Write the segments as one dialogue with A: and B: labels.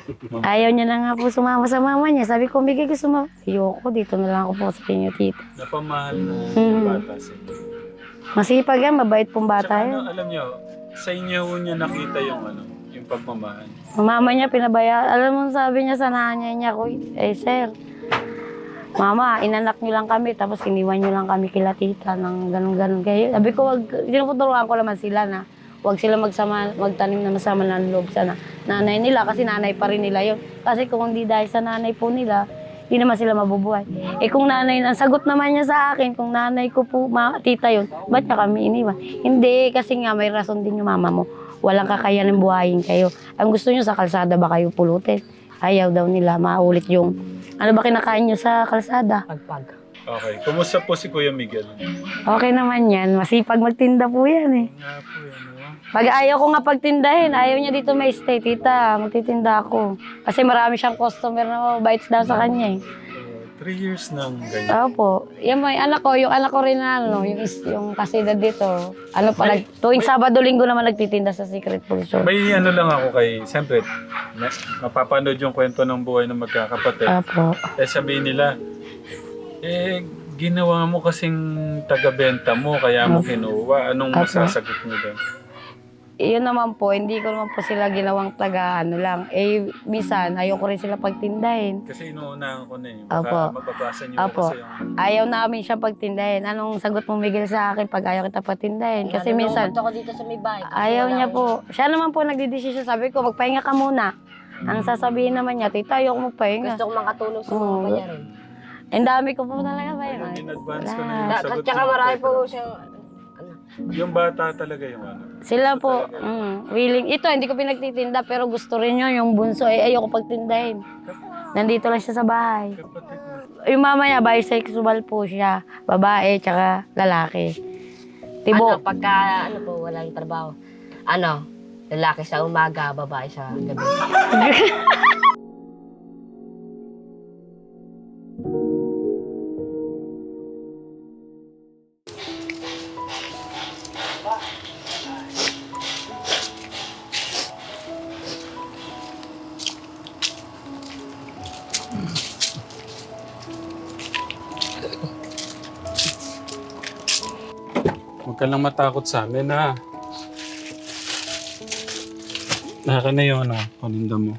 A: Ayaw niya na nga po sumama sa mama niya. Sabi ko, bigay ko sumama. Ayoko, dito na lang ako po sa inyo, tita.
B: Napamahal na yung bata sa inyo.
A: Masipag yan, mabait pong bata
B: Tsaka
A: yan.
B: alam niyo, sa inyo niya nakita yung yung pagmamahal.
A: Mama niya pinabaya. Alam mo, sabi niya sa nanay niya ko, sir, mama, inanak niyo lang kami, tapos iniwan niyo lang kami kila tita ng ganun-ganun kayo. Sabi ko, tinuturuan ko naman sila na huwag sila magtanim na masama ng loob sa nanay nila kasi nanay pa rin nila yun. Kasi kung hindi dahil sa nanay po nila, hindi naman sila mabubuhay. Kung nanay, ang sagot naman niya sa akin, kung nanay ko po, tita yun, ba't niya kami iniwan? Hindi, kasi nga may rason din yung mama mo. Walang kakayanin buhayin kayo. Ang gusto niyo sa kalsada ba kayo pulutin? Ayaw daw nila, maulit yung, ano ba kinakain niyo sa kalsada?
C: Pagpag.
B: Okay. Kumusta po si Kuya Miguel?
A: Okay naman yan, masipag magtinda po yan eh.
B: Nga po yan.
A: Pag ayaw ko nga pagtindahin, ayaw niya dito may stay, tita, magtitinda ako. Kasi marami siyang customer na bites daw sa kanya eh.
B: 3 years nang ganyan.
A: Opo. Yan mo, yung anak ko rin na, yung kasidad dito. Ano pa, tuwing Sabado, Linggo naman nagtitinda sa Secret Food Store.
B: May ano lang ako kay, siyempre, mapapanood yung kwento ng buhay ng magkakapatid.
A: Opo.
B: Sabihin nila, ginawa mo kasing taga-benta mo, kaya mo kinuha. Anong masasagot mo doon?
A: Yun naman po, hindi ko naman po sila ginawang ano lang. Minsan, ayaw ko rin sila pagtindahin.
B: Kasi inuunahan ko na eh.
A: Opo.
B: Baka mababasa niyo
A: Opo.
B: kasi yung...
A: Ayaw namin siya pagtindahin. Anong sagot mo, Miguel, sa akin pag ayaw kita pagtindahin? Kasi minsan,
C: ako dito sa may bahay.
A: ayaw niya po. Siya naman po nagdidesisyon. Sabi ko, magpahinga ka muna. Ang sasabihin naman niya, tita, ayaw ko magpahinga.
C: Gusto ko makatulong sa mga panyarin.
A: Ang dami ko po talaga ba yun?
B: In advance ko na yung sagot.
C: Tsaka marami po siyang
B: Yung bata talaga yung
A: Sila po, willing. Ito, hindi ko pinagtitinda, pero gusto rin yun. Yung bunso, ayoko pagtindahin. Nandito lang siya sa bahay.
B: kapatid mo.
A: Yung mama niya, bisexual po siya. Babae, tsaka lalaki. Tibo.
C: pagka po, walang trabaho. Lalaki sa umaga, babae sa gabi.
B: Huwag ka lang matakot sa amin, ha? Naka na yung paninda mo.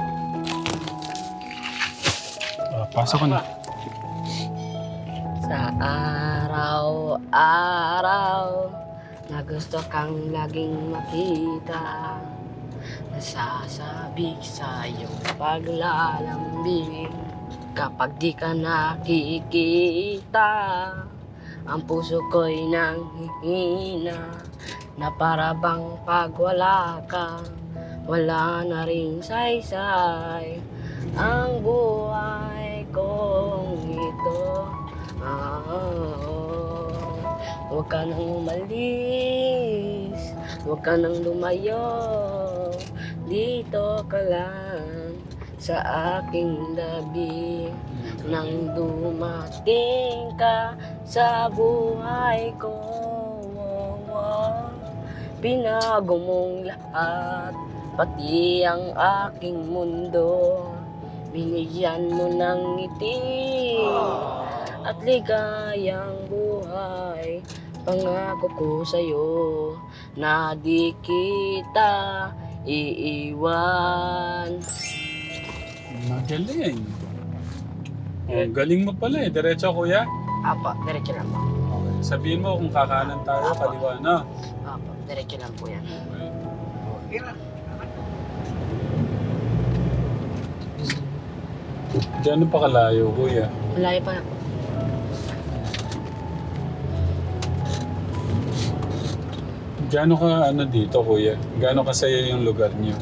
B: Pasok ko na.
C: Sa araw-araw na gusto kang laging makita, nasasabi sa iyong paglalambing. Kapag di ka nakikita, ang puso ko'y nanghihina, na para bang pag wala ka, wala na rin saysay ang buhay kong ito. Huwag ka nang umalis, huwag ka nang lumayo, dito ka lang sa aking labi. Nang dumating ka sa buhay ko, binago mong lahat, pati ang aking mundo. Binigyan mo ng ngiti at ligayang buhay. Pangako ko sa'yo na di kita iiwan.
B: Magaling. Ang galing mo pala eh. Diretso, kuya.
C: Apo, diretso lang po.
B: Okay. Sabihin mo kung kakanan tayo, kaliwa na.
C: Apo, diretso lang po yan.
B: Gano'n pa kalayo, kuya?
C: Malayo pa po.
B: Gano'n ka dito, kuya? Gano'n kasaya yung lugar niyo?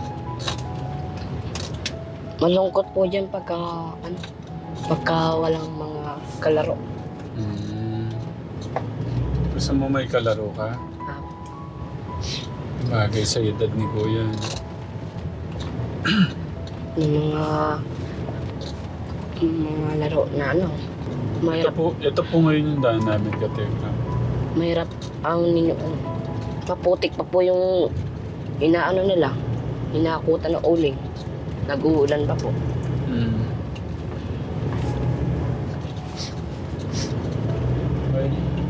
C: Malungkot po dyan pagka walang mga kalaro.
B: Gusto mo may kalaro ka?
C: Apo.
B: Bagay sa edad ni kuya.
C: Yung mga laro na
B: Ito po ngayon yung daan namin, Kategram.
C: mahirap ang ninyo. Maputik pa po yung inaano nila, inakutan ng uling. nag-uulan pa po.
B: Mm. Ay.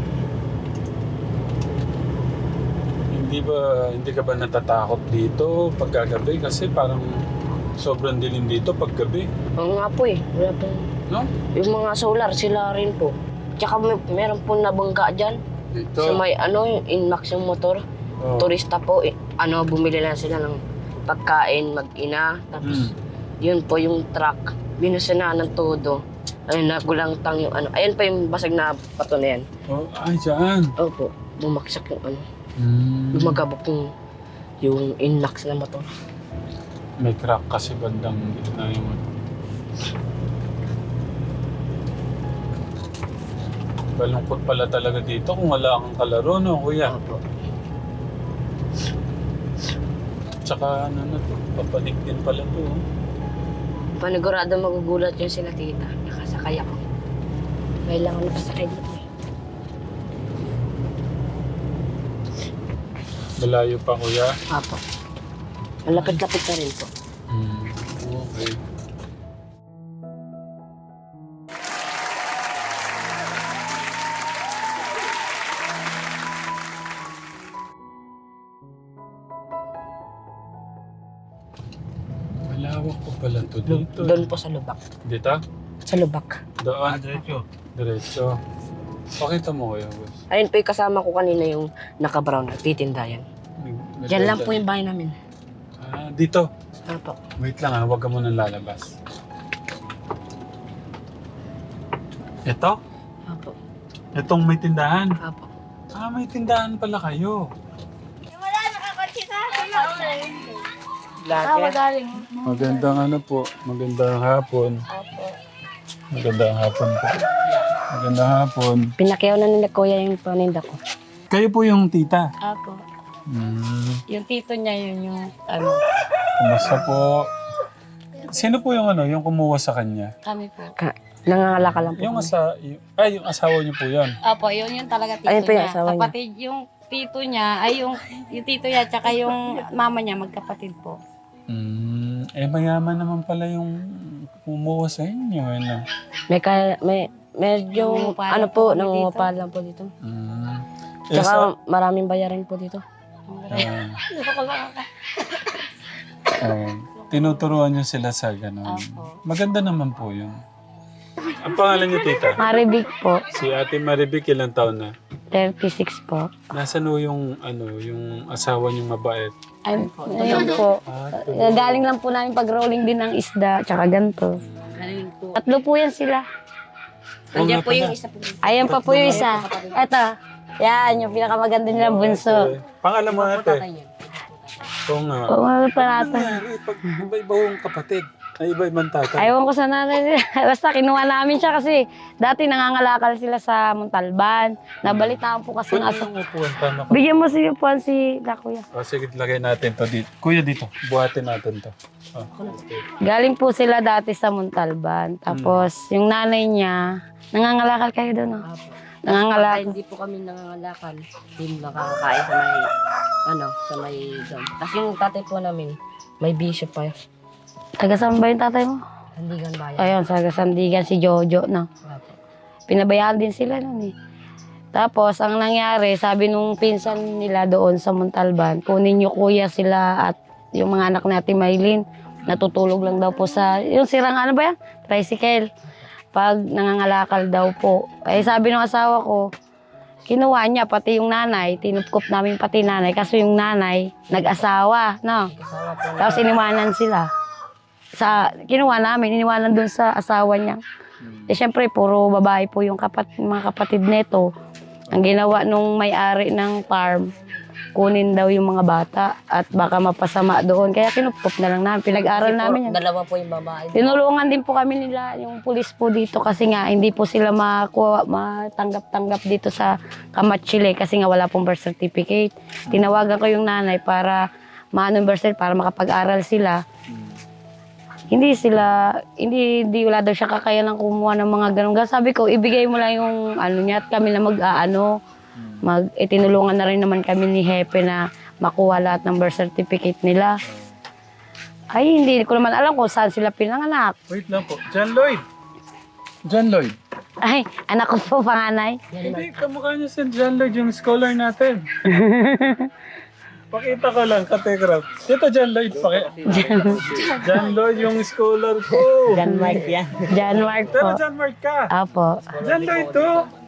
B: Hindi ka ba natatakot dito pagkagabi? Kasi parang sobrang dilim dito paggabi.
C: Oo nga po eh. Wala pong...
B: No?
C: Yung mga solar, sila rin po. Tsaka meron po nabangga dyan.
B: Dito.
C: Sa may yung Inmax yung motor.
B: Oh.
C: Turista po, bumili lang sila ng pagkain, mag-ina. Tapos, yun po yung truck. Binusina ng todo. Ayun, nagulangtang yung Ayun pa yung basag na pato na yan.
B: Oh, ay, saan?
C: Opo, bumaksak yung
B: Mm.
C: Lumagabok yung Inmax na motor.
B: May crack kasi bandang gitna yung Balungkot pala talaga dito kung wala kang kalaro, no, kuya?
C: Opo.
B: Tsaka ano na to, papanik din pala to. Oh.
C: Panigurado magugulat yung sila tita. Nakasakay ako. Kailangan nakasakay dito eh.
B: Malayo pa, kuya.
C: Apo. Malapit-lapit na rin po.
B: Okay. Malawak po pala to dito.
C: Doon po sa lubak.
B: Dito?
C: Sa lubak.
B: Doon? Diretso. Diretso. Pakita mo kuya, boss.
C: Ayun po yung kasama ko kanina yung naka-brown at titinda yan. Diyan lang po yung bahay namin.
B: Ah, dito.
C: Apo.
B: Wait lang huwag ka munang lalabas. Ito?
C: Apo.
B: Itong may tindahan?
C: Apo.
B: Ah, may tindahan pala kayo.
C: Vlogger.
B: Magandang ano po, magandang hapon.
C: Apo.
B: Magandang hapon po. Magandang hapon.
C: Pinakyaw na nila kuya yung paninda ko.
B: Kayo po yung tita.
A: Apo. Yung tito niya yun yung
B: Kumusta po? Sino po yung yung kumuha sa kanya?
A: kami po.
C: Nangangalaka lang po.
B: Yung
C: kami.
B: yung asawa niyo po yan.
A: Apo, yun yung talaga tito
C: Ayun po yung
A: niya.
C: asawa niya.
A: Kapatid yung tito niya, ay yung tito niya, tsaka yung mama niya, magkapatid po.
B: Mayaman naman pala yung kumuha sa inyo. Ano?
C: Medyo,
A: Nangungupahan
C: po,
A: po kami
C: nangungupahan lang po dito.
B: Eh,
C: Tsaka maraming bayarin po dito.
B: tinuturuan niyo sila sa gano'n.
A: Apo.
B: Maganda naman po yun. Ang pangalan niyo, tita?
A: Maribik po,
B: Si Ate Maribik, ilang taon na?
A: 36 po.
B: Nasaan ho yung asawa niyong mabait?
A: Ayun po. Galing lang po namin pag-rolling din ng isda, tsaka ganito.
C: Galing po.
A: Tatlo po yan sila.
C: Nandiyan po yung isa po.
A: Ayan pa po yung isa. Eto. Yan, yung pinakamaganda nilang bunso.
B: Pangalan mo, ate? Oo nga.
A: Oo, mga
B: Ano
A: parata.
B: nangyari pag iba-iba yung kapatid? Ay, iba-ibang tatay?
A: Ayaw ko sa nanay nila. Basta kinuha namin siya kasi dati nangangalakal sila sa Montalban. Nabalitaan po kasi
B: Pwede
A: nga sa...
B: yung upuan, tama ka.
A: Bigyan mo si upuan si Kuya.
B: Sige, lagay natin to dito. Kuya, dito. Buhatin natin to. Okay.
A: Galing po sila dati sa Montalban. Tapos yung nanay niya, nangangalakal kayo doon, no? Nangangalakal.
C: Hindi po kami nangangalakal. Hindi makakakain sa may doon. Kasi yung tatay po namin, may bisyo pa.
A: Taga saan ba yung tatay mo?
C: Handigan bayan.
A: Ayun, sa Sandigan si Jojo, no?
C: Apo.
A: Pinabayaan din sila nun eh. Tapos, ang nangyari, sabi nung pinsan nila doon sa Montalban, kunin niyo kuya sila at yung mga anak natin Maylin, natutulog lang daw po sa, yung sirang ano ba yan? Tricycle. Pag nangangalakal daw po. Eh sabi ng asawa ko, kinuha niya pati yung nanay, tinupkop namin pati nanay, kasi yung nanay, nag-asawa, no?
C: Kasama po
A: Tapos iniwanan sila. Kinuha namin, iniwanan doon sa asawa niya. Eh syempre, puro babae po yung mga kapatid nito. Ang ginawa nung may-ari ng farm, kunin daw yung mga bata at baka mapasama doon. Kaya kinupkop na lang namin. Pinag-aral namin yan.
C: Dalawa po yung babae.
A: Tinulungan din po kami nila, yung pulis po dito kasi nga hindi po sila matanggap-tanggap dito sa Kamatsile kasi nga wala pong birth certificate. Tinawagan ko yung nanay para maano birth certificate para makapag-aral sila. Hindi wala daw siya kakayanang kumuha ng mga ganun. Sabi ko, ibigay mo lang yung niya at kami na tinulungan na rin naman kami ni Hepe na makuha lahat ng birth certificate nila. Ay, hindi ko naman alam kung saan sila pinanganak.
B: Wait lang po. John Lloyd. John Lloyd.
A: Ay, anak ko po, panganay.
B: Hindi, kamukha niya si John Lloyd, yung scholar natin. Pakita ko lang, kategraph. Dito, John Lloyd. John Lloyd, yung scholar ko.
A: John Mark yan. John Mark po.
B: Pero John Mark ka.
A: Apo.
B: John Lloyd to.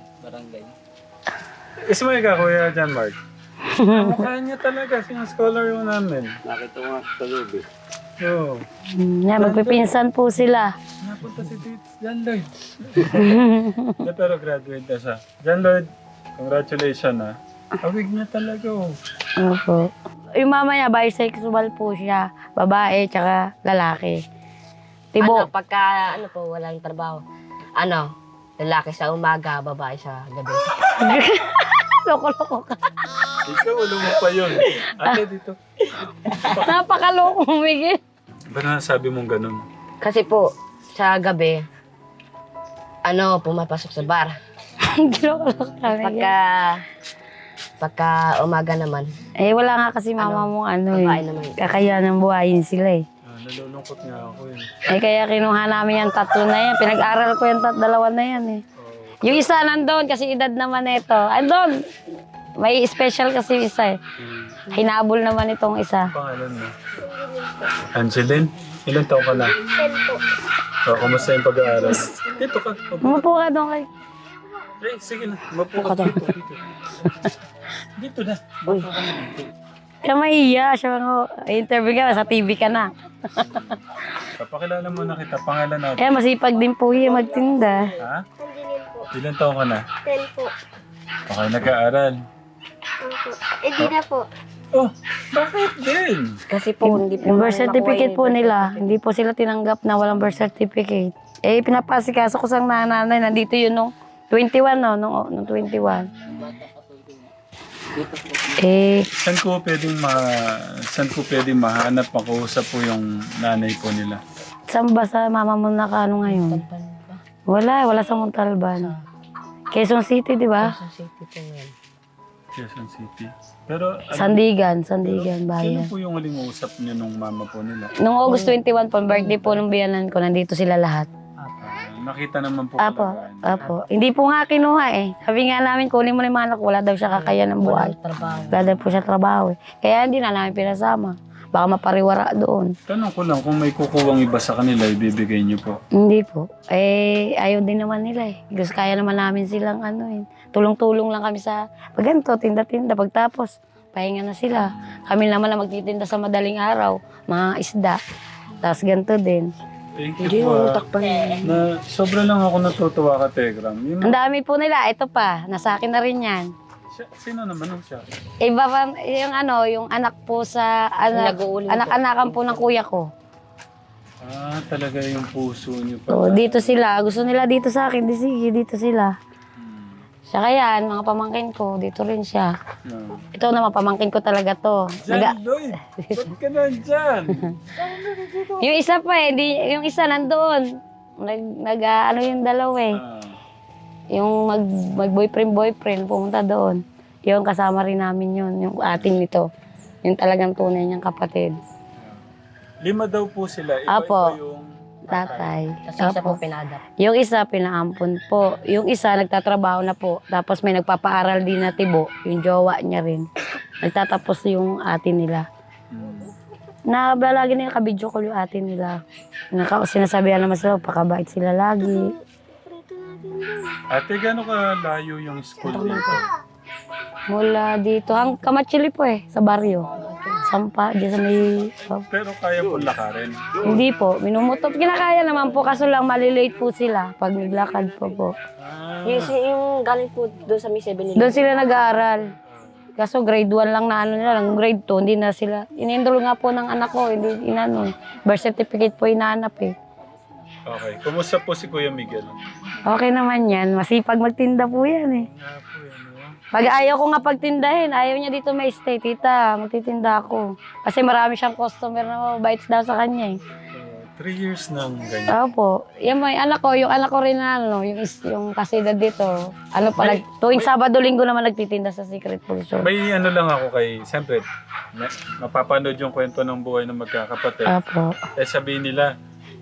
B: Ismail ka, Kuya John Mark. Kamukha niya talaga, yung scholar yung namin.
D: Nakita ko nga sa loob eh.
B: Oo.
A: Yan, magpipinsan po sila.
B: Napunta si John Lloyd. Hindi, pero graduate na siya. John Lloyd, congratulations ha. Awig niya talaga oh.
A: Opo. Yung mama niya, bisexual po siya. Babae, tsaka lalaki. Tibo.
C: Ano, pagka, ano po, walang trabaho. Ano, lalaki sa umaga, babae sa gabi.
A: Loko-loko ka.
B: Ikaw, wala mo pa yun. Ate, dito.
A: Napakaloko, Miguel.
B: Ba't nasabi mong ganun?
C: Kasi po, sa gabi, ano, pumapasok sa bar.
A: Loko-loko ka, Miguel.
C: Pagka umaga naman,
A: Eh, wala nga kasi mama mong ano
C: babae
A: eh.
C: naman.
A: Kakayanan buhayin sila eh.
B: Nalulungkot nga ako yun.
A: Eh, kaya kinuha namin yung tatlo na yan. Pinag-aral ko yung dalawa na yan eh. Yung isa nandun kasi edad naman ito. Andun! May special kasi yung isa eh. Hinabol naman itong isa.
B: Pangalan mo? Angeline? Ilan taon ka na?
E: 10 po.
B: O, kumusta yung pag-aaral? Dito ka.
A: Umupo ka doon kay...
B: Eh, sige na. Mapo ka dito. Dito na. Mapo ka na.
A: Kaya mahiya. Siya mga interview ka, sa TV ka na.
B: Papakilala mo na kita. Pangalan natin.
A: Kaya masipag din po yung magtinda.
B: Ha?
E: Angelin po.
B: Ilan taon ka na?
E: 10 po.
B: Okay, nag-aaral.
E: Opo. Eh, di na po.
B: Oh, bakit din?
C: kasi po, hindi po
A: Yung birth
C: namin
A: certificate
C: makuha
A: po
C: yung
A: nila, hindi po sila tinanggap na walang birth certificate. Eh, pinapasikaso ko sa nanay, nandito yun nung 21, no? Nung 21. Eh,
B: Saan ko pwedeng mahanap makausap po yung nanay po nila?
A: saan ba sa mama mo nakano ngayon? Wala sa Montalban. Quezon City, di ba?
C: Sa city po ngayon.
B: Quezon City. Pero,
A: Sandigan,
B: sino
A: bayan.
B: po yung huling usap niyo nung mama po nila?
A: Nung August 21 po, birthday po ng biyanan ko, nandito sila lahat.
B: Nakita naman po
A: Apo,
B: talaga.
A: apo. Hindi po nga kinuha eh. Sabi nga namin, kunin mo na yung mga anak ko, wala daw siya kakayan ng buhay.
C: Trabaho.
A: Wala daw po siya trabaho eh. Kaya hindi na namin pinasama. Baka mapariwara doon.
B: Tanong ko lang, kung may kukuwang iba sa kanila, ibibigay niyo po.
A: Hindi po. Eh, ayaw din naman nila eh. Gusto kaya naman namin silang ano eh. Tulong-tulong lang kami sa pag ganito, tinda-tinda. Pagtapos, pahinga na sila. Kami naman na magtitinda sa madaling araw. Mga isda. Tapos ganito din.
B: Thank
C: Hindi
B: you po.
C: yung utak pa niya.
B: Na, sobra lang ako natutuwa ka, Tegram. Yung,
A: Ang dami po nila. Ito pa. Nasa akin na rin yan.
B: sino naman ang siya?
A: Iba pa, yung ano, yung anak po sa,
C: Nag-uuling po.
A: anak-anakan po ng kuya ko.
B: Ah, talaga yung puso niyo pa.
A: So, dito sila. Gusto nila dito sa akin. Di sige, dito sila. Siya yan, mga pamangkin ko. Dito rin siya.
B: No.
A: Ito naman, pamangkin ko talaga to.
B: John Lloyd! Ba't ka nandyan?
A: Yung isa pa eh, yung isa nandoon. Ano yung dalawa eh.
B: Ah,
A: Yung mag-boyfriend, pumunta doon. Yung kasama rin namin yun, yung atin nito. Yung talagang tunay niyang kapatid.
B: 5 daw po sila.
A: Apo.
B: Iba-iba yung
A: Tatay.
C: Kasi isa po
A: Opo.
C: pinadap.
A: Yung isa, pinaampon po. Yung isa, nagtatrabaho na po. Tapos may nagpapaaral din na tibo. Yung jowa niya rin. Nagtatapos yung atin nila. Lagi nila kabidyo ko yung atin nila. Sinasabihan naman sila, pakabait sila lagi.
B: Ate, gano'n ka layo yung school dito?
A: Mula dito, Kamachili po eh, sa baryo. Sampa, dyan sa may...
B: Pero kaya po lakarin.
A: Hindi po, minumutot. Kinakaya naman po, kaso lang malilate po sila pag naglakad po.
B: Ah,
C: Yung galing po doon sa May 7
A: Doon sila nag-aaral. Kaso grade 1 lang na ano nila, lang grade 2, hindi na sila. Inenroll nga po ng anak ko, hindi inano. Birth certificate po inaanap eh.
B: okay. Kumusta po si Kuya Miguel?
A: Okay naman yan, masipag magtinda po yan eh.
B: Nga po yan, no?
A: Pag ayaw ko nga pagtindahin, ayaw niya dito may stay, tita, magtitinda ako. Kasi marami siyang customer na mabait daw sa kanya eh.
B: 3 years nang ganyan.
A: Opo. Yan may anak ko, yung anak ko rin na yung kasidad dito. Ano pa, tuwing Sabado, Linggo naman nagtitinda sa Secret Food Store.
B: May ano lang ako kay, siyempre, mapapanood yung kwento ng buhay ng magkakapatid.
A: Opo.
B: Sabihin nila,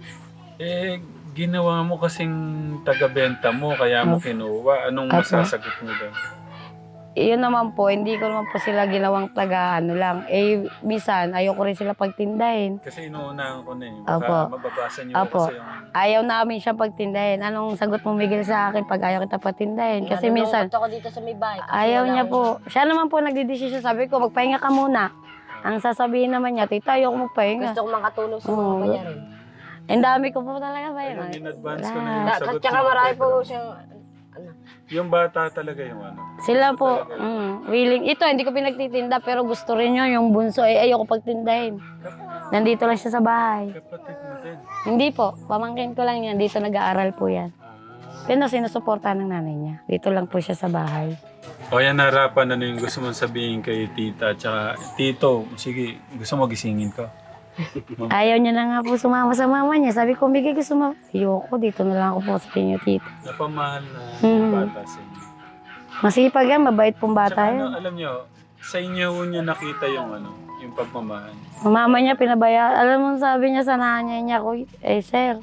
B: ginawa mo kasing taga-benta mo, kaya mo kinuha. Anong masasagot mo doon?
A: Yun naman po, hindi ko naman po sila ginawang taga lang. Bisan, ayoko rin sila pagtindahin.
B: Kasi inuunahan ko na
A: Opo.
B: Baka mababasa niyo
A: Opo.
B: kasi yung...
A: Ayaw namin siya pagtindahin. Anong sagot mo, Miguel, sa akin pag ayaw kita pagtindahin? Kasi minsan,
C: ako dito sa may bahay.
A: ayaw niya po. Siya naman po nagdidesisyon. Sabi ko, magpahinga ka muna. Ang sasabihin naman niya, tita, ayoko magpahinga.
C: Gusto ko makatulong sa mga
A: Oo.
C: bayarin.
A: Ang dami ko po talaga ba yun?
B: Ayun, in advance ko na yung sagot
C: Tsaka
B: mo.
C: marami po siyang
B: Yung bata talaga yung ano.
A: Sila po, willing. Ito, hindi ko pinagtitinda, pero gusto rin yun, yung bunso. Ayoko pagtindahin. Nandito lang siya sa bahay.
B: Kapatid mo din.
A: Hindi po, pamangkin ko lang yan. Dito nag-aaral po yan. Pero sinusuporta ng nanay niya. Dito lang po siya sa bahay.
B: O yan, harapan, ano yung gusto mong sabihin kay tita, tsaka tito, sige, gusto mo gisingin ko.
A: Ayaw niya na nga po sumama sa mama niya. Sabi ko, Miguel, gusto mo. Ayoko, dito na lang ako po sa inyo, tita.
B: Napamahal na bata sa inyo.
A: Masipag yan, mabait pong bata
B: Tsaka
A: yan.
B: ano, alam nyo, sa inyo niya nakita yung ano, yung pagmamahal.
A: Mama niya pinabaya. Alam mo, sabi niya sa nanay niya ko, sir,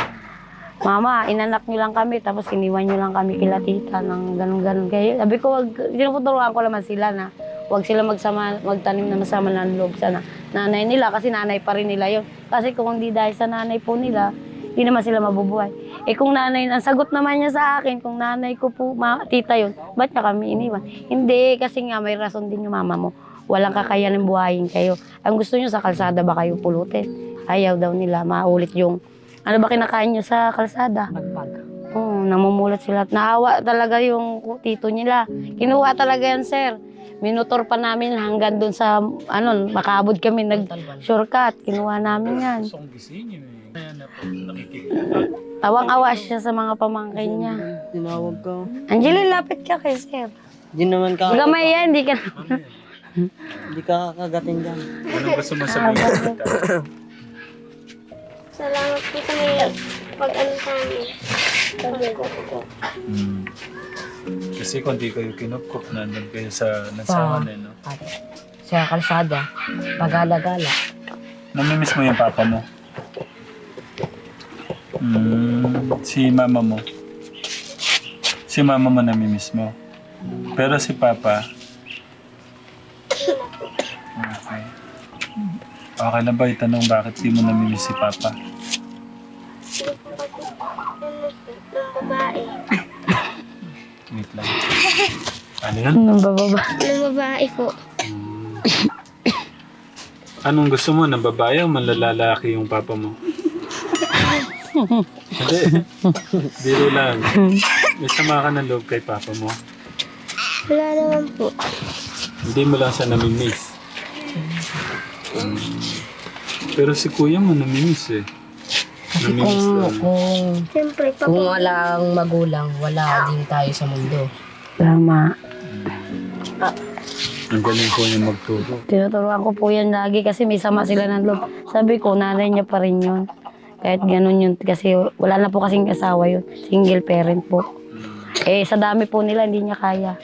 A: mama, inanak niyo lang kami, tapos iniwan niyo lang kami kila tita ng ganun-ganun. Kaya sabi ko, tinuturuan ko naman sila na huwag sila magtanim na masama ng loob sa nanay nila kasi nanay pa rin nila yun. Kasi kung hindi dahil sa nanay po nila, hindi naman sila mabubuhay. Kung nanay, ang sagot naman niya sa akin, kung nanay ko po, tita yun, ba't niya kami iniwan? Hindi, kasi nga may rason din yung mama mo. Walang kakayanin buhayin kayo. Ang gusto niyo sa kalsada ba kayo pulutin? Ayaw daw nila, maulit yung, ano ba kinakain niyo sa kalsada?
C: pagpag.
A: Oo, namumulat sila. Naawa talaga yung tito nila. Kinuha talaga yan, sir. Minutor pa namin hanggang doon sa, makaabot kami, nag-shortcut. Kinuha namin yan.
B: Gusto kong gisingin eh. Ayan na po, nakikita.
A: Tawang-awa siya sa mga pamangkin niya.
C: Tinawag ka.
A: Angeline, lapit ka kay sir.
C: Di naman ka.
A: Gamay yan, di ka
C: Di ka kakagatin dyan.
B: Anong gusto mo sabihin kay tita?
E: Salamat po sa may pag-ano sa amin.
B: Kasi kung di kayo kinupkup, nandun kayo sa nasawan eh, no?
C: Sa kalsada. Pagala-gala.
B: Namimiss mo yung papa mo? Si mama mo? Si mama mo namimiss mo? Pero si papa? Okay. Okay lang ba itanong bakit di mo namimiss si papa?
E: Ng babae.
B: Wait lang. Ano yun?
A: Nung bababa.
E: Ng babae po.
B: Anong gusto mo? Ng babae o manlalaki yung papa mo? Hindi. Biro lang. May sama ka ng loob kay papa mo.
E: Wala naman po.
B: Hindi mo lang siya namimiss. Pero si kuya mo namimiss eh. Namimiss lang.
E: Siyempre,
C: Kung walang magulang, wala din tayo sa mundo.
A: Tama.
B: Ang galing po niya magturo.
A: Tinuturuan ko po yan lagi kasi may sama sila ng loob. Sabi ko, nanay niya pa rin yun. Kahit ganun yun. Kasi wala na po kasing asawa yun. Single parent po. Sa dami po nila, hindi niya kaya.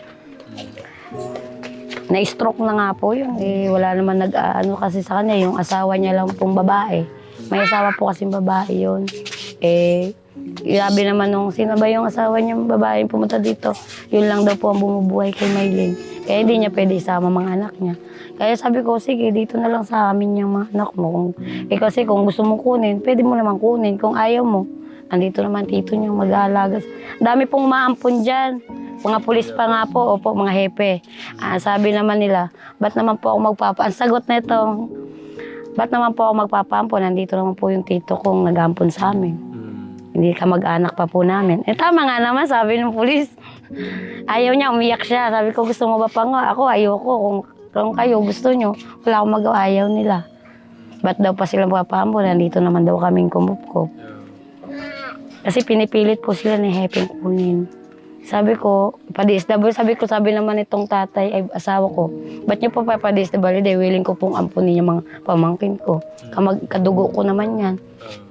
A: Na-stroke na nga po yun. Wala naman nag-ano kasi sa kanya. Yung asawa niya lang pong babae. May asawa po kasing babae yun. Grabe naman nung sino ba yung asawa niya babae pumunta dito. Yun lang daw po ang bumubuhay kay Maylene. Kaya hindi niya pwede isama mga anak niya. Kaya sabi ko, sige, dito na lang sa amin yung mga anak mo. Kasi kung gusto mong kunin, pwede mo naman kunin. Kung ayaw mo, andito naman tito niyo mag-aalaga. Dami pong maampon dyan. Mga pulis pa nga po, opo, mga hepe. Sabi naman nila, ba't naman po ako ang sagot na ito, ba't naman po ako magpapaampon? Nandito naman po yung tito kong nag-ampon sa amin. Hindi ka mag-anak pa po namin. Tama nga naman, sabi ng pulis. Ayaw niya, umiyak siya. Sabi ko, gusto mo ba pa nga? Ako, ayoko. Kung kayo gusto nyo, wala akong magawa. Ayaw nila. Ba't daw pa sila magpapaampon? Nandito naman daw kaming kumupkup. Kasi pinipilit po sila ni Hepeng kunin. Sabi ko, pa-DSW, sabi naman itong tatay, ay asawa ko, ba't niyo pa pa-DSW? Willing ko pong ampunin yung mga pamangkin ko. Kadugo ko naman yan.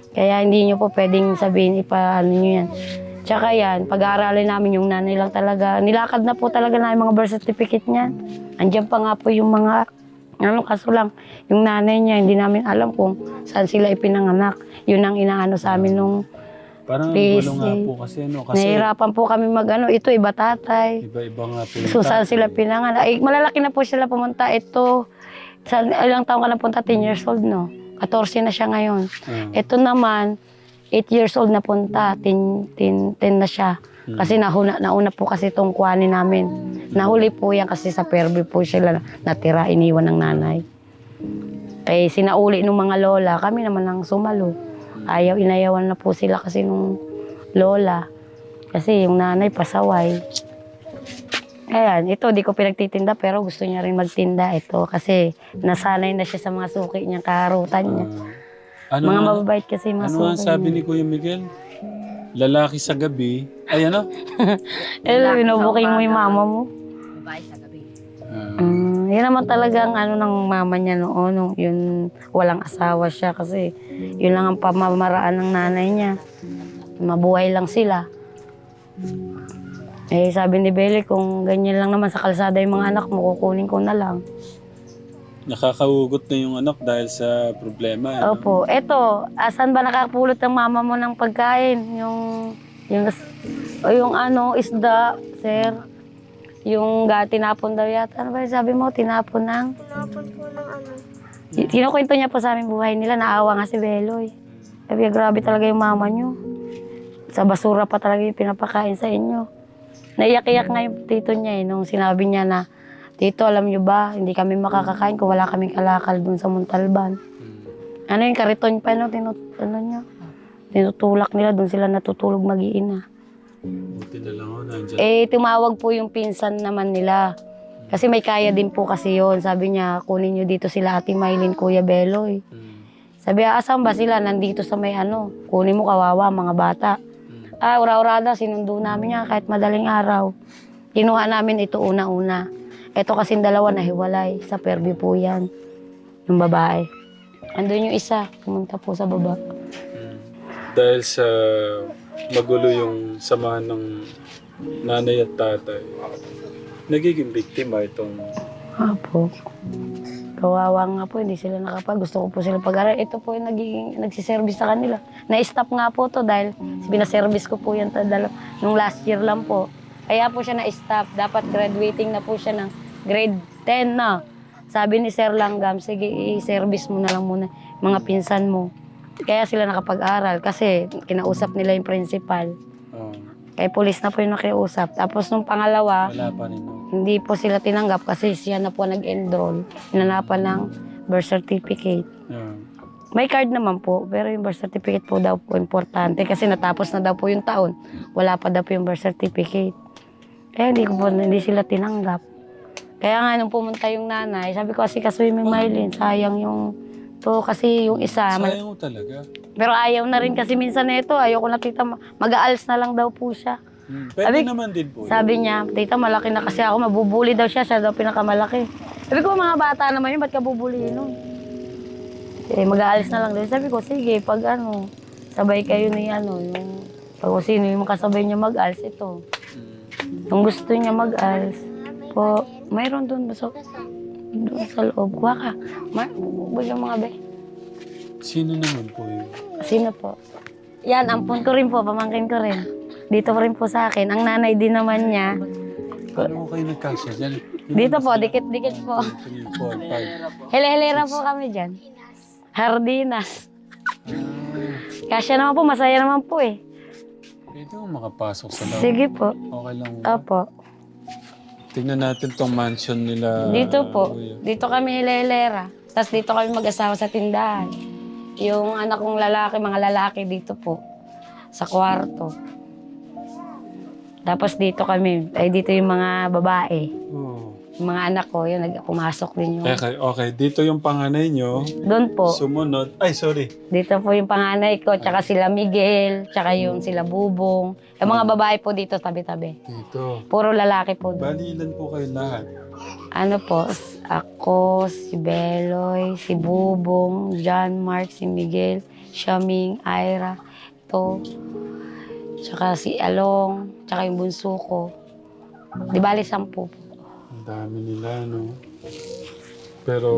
A: Kaya hindi nyo po pwedeng sabihin ano nyo yan. Tsaka yan, pag-aaralin namin yung nanay lang talaga. Nilakad na po talaga namin mga birth certificate niyan. Andiyan pa nga po yung mga, kaso lang, yung nanay niya, hindi namin alam kung saan sila ipinanganak. Yun ang inaano sa amin nung
B: Parang
A: Please,
B: gulo nga po kasi kasi
A: nahihirapan po kami ito iba tatay.
B: iba-iba nga po yung
A: So saan
B: tatay.
A: sila pinanganak? Ay, malalaki na po sila pumunta. Ito, ilang taon ka na punta? 10 years old, no? 14 na siya ngayon. Ito naman, 8 years old na punta, 10 na siya. Kasi nauna po kasi itong kuhanin namin. Nahuli po yan kasi sa Fairview po sila natira, iniwan ng nanay. Kaya sinauli ng mga lola, kami naman ang sumalo. Inayawan na po sila kasi nung lola. Kasi yung nanay pasaway. Ayan, ito di ko pinagtitinda pero gusto niya rin magtinda ito kasi nasanay na siya sa mga suki niya, kaharutan niya. Mga mababait kasi mga
B: Ano
A: suki
B: ang sabi
A: niya.
B: ni Kuya Miguel? Lalaki sa gabi. Ay ano?
A: Binubuking mo yung mama mo.
C: Babae sa gabi.
A: Yan naman talagang ng mama niya noon, yun walang asawa siya kasi yun lang ang pamamaraan ng nanay niya. Mabuhay lang sila. Sabi ni Bele, kung ganyan lang naman sa kalsada yung mga anak mo, kukunin ko na lang.
B: Nakakaugot na yung anak dahil sa problema. Ano?
A: Opo. Eto, asan ba nakapulot ng mama mo ng pagkain? Yung isda, sir. Yung tinapon daw yata. Ano ba yung sabi mo? Tinapon ng?
E: Tinapon po ng
A: Kinukwento niya po sa amin buhay nila. Naawa nga si Beloy. Sabi niya, grabe talaga yung mama niyo. Sa basura pa talaga yung pinapakain sa inyo. Naiyak-iyak nga yung tito niya nung sinabi niya na, Tito, alam niyo ba, hindi kami makakakain kung wala kaming kalakal dun sa Montalban. Yung kariton pa, tinutulak nila, dun sila natutulog mag-iina.
B: Buti na lang ako nandyan.
A: Tumawag po yung pinsan naman nila. Kasi may kaya din po kasi yon. Sabi niya, kunin niyo dito sila Ate Maylin, Kuya Beloy. Sabi niya, asan ba sila? Nandito sa may kunin mo kawawa, mga bata. Ura-urada, sinundo namin niya kahit madaling araw. Kinuha namin ito una-una. Ito kasing dalawa na hiwalay. Sa Fairview po yan. Yung babae. Andun yung isa, pumunta po sa baba.
B: Dahil sa magulo yung samahan ng nanay at tatay, nagiging biktima itong...
A: Apo. Kawawa nga po, hindi sila gusto ko po sila pag-aral. Ito po yung nagsiservice sa kanila. Na-stop nga po to dahil binaservice ko po yan nung last year lang po. Kaya po siya na-stop. Dapat graduating na po siya ng grade 10 na. Sabi ni Sir Langgam, sige, i-service mo na lang muna mga pinsan mo. Kaya sila nakapag-aral kasi kinausap nila yung principal. Kaya police na po yung nakiusap. Tapos nung pangalawa,
B: Wala pa rin.
A: hindi po sila tinanggap kasi siya na po nag-enroll. Hinanapan ng birth certificate. May card naman po, pero yung birth certificate po daw po importante kasi natapos na daw po yung taon. Wala pa daw po yung birth certificate. Kaya hindi sila tinanggap. Kaya nga nung pumunta yung nanay, sabi ko kasi kasuhin mo yung Maylin, sayang yung kasi yung isa.
B: Sayang mo talaga.
A: Pero ayaw na rin kasi minsan na ito, ayaw ko na tita, mag-aals na lang daw po siya.
B: Pwede naman din po.
A: Sabi niya, tita, malaki na kasi ako, mabubuli daw siya daw pinakamalaki. Sabi ko, mga bata naman yun, ba't ka bubulihin nun? Mag-aalis na lang daw. Sabi ko, sige, pag sabay kayo ni yung pag sino yung kasabay niya mag-aalis, ito. Kung gusto niya mag-aalis, po, mayroon doon, doon sa loob. Kuha ka. Bigyan mga be.
B: Sino naman po yun?
A: Sino po? Yan, ampun ko rin po, pamangkin ko rin. Dito rin po sa akin. Ang nanay din naman niya.
B: Paano ko kayo nagkasya dyan?
A: Dito po, dikit-dikit po.
B: 3, 4, 5.
A: Hele-helera po kami dyan. Hardinas. Kasya naman po, masaya naman po eh.
B: Pwede mo makapasok sa loob.
A: Sige po.
B: Okay lang.
A: Opo.
B: Tingnan natin tong mansion nila.
A: Dito po.
B: Kuya.
A: Dito kami hele-helera. Tapos dito kami mag-asawa sa tindahan. Yung anak kong lalaki, mga lalaki dito po. Sa kwarto. Tapos dito kami, dito yung mga babae.
B: Oh.
A: Yung mga anak ko, yun, pumasok din yung...
B: Okay, dito yung panganay nyo.
A: Doon po.
B: Sumunod. Ay, sorry.
A: Dito po yung panganay ko, tsaka sila Miguel, tsaka yung sila Bubong. Yung mga babae po dito, tabi-tabi.
B: Dito.
A: Puro lalaki po doon.
B: Bali, ilan po kayo lahat?
A: Ano po, ako, si Beloy, si Bubong, John Mark, si Miguel, Shaming, Ira, ito. Tsaka si Along, tsaka yung bunso ko. Di bali 10 po.
B: Ang dami nila, no? Pero,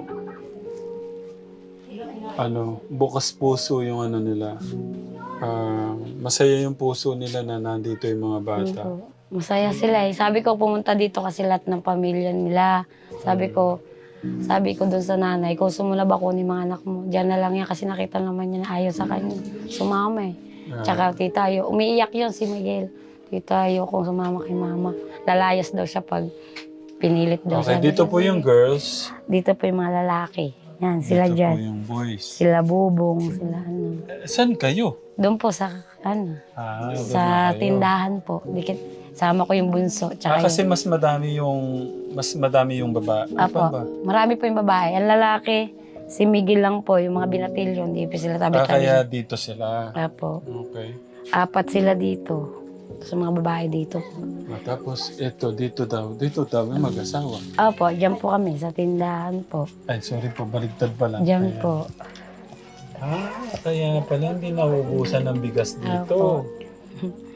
B: bukas puso yung ano nila. Masaya yung puso nila na nandito yung mga bata.
A: Opo. Masaya sila eh. Sabi ko pumunta dito kasi lahat ng pamilya nila. Sabi ko doon sa nanay, kung sumula ba kunin mga anak mo, diyan na lang yan kasi nakita naman niya na ayaw sa kanya. Sumama eh. Tsaka tita Ayo, umiiyak yun si Miguel. Tita Ayo kung sumama kay mama. Lalayas daw siya pag pinilit daw
B: Okay,
A: siya.
B: dito po yung girls.
A: Dito po yung mga lalaki. Yan, sila
B: Dito
A: dyan.
B: po yung boys.
A: Sila Bubong, sila ano.
B: Saan kayo?
A: Doon po sa, ano,
B: Doon
A: sa
B: na kayo.
A: tindahan po. Sama ko yung bunso. Tsaka
B: Kasi mas madami yung baba.
A: Apo,
B: Ba?
A: marami po yung babae. Ang lalaki, si Miguel lang po, yung mga binatilyo, hindi po sila tabi-tabi.
B: Kaya dito sila.
A: Apo,
B: Okay.
A: 4 sila dito. Sa mga babae dito po.
B: Tapos dito daw yung mag-asawa.
A: Apo, dyan po kami sa tindahan po.
B: Ay, sorry po, baligtad pala.
A: Dyan
B: Kaya-
A: po.
B: Kaya pala hindi nauubusan ng bigas dito.
A: Opo.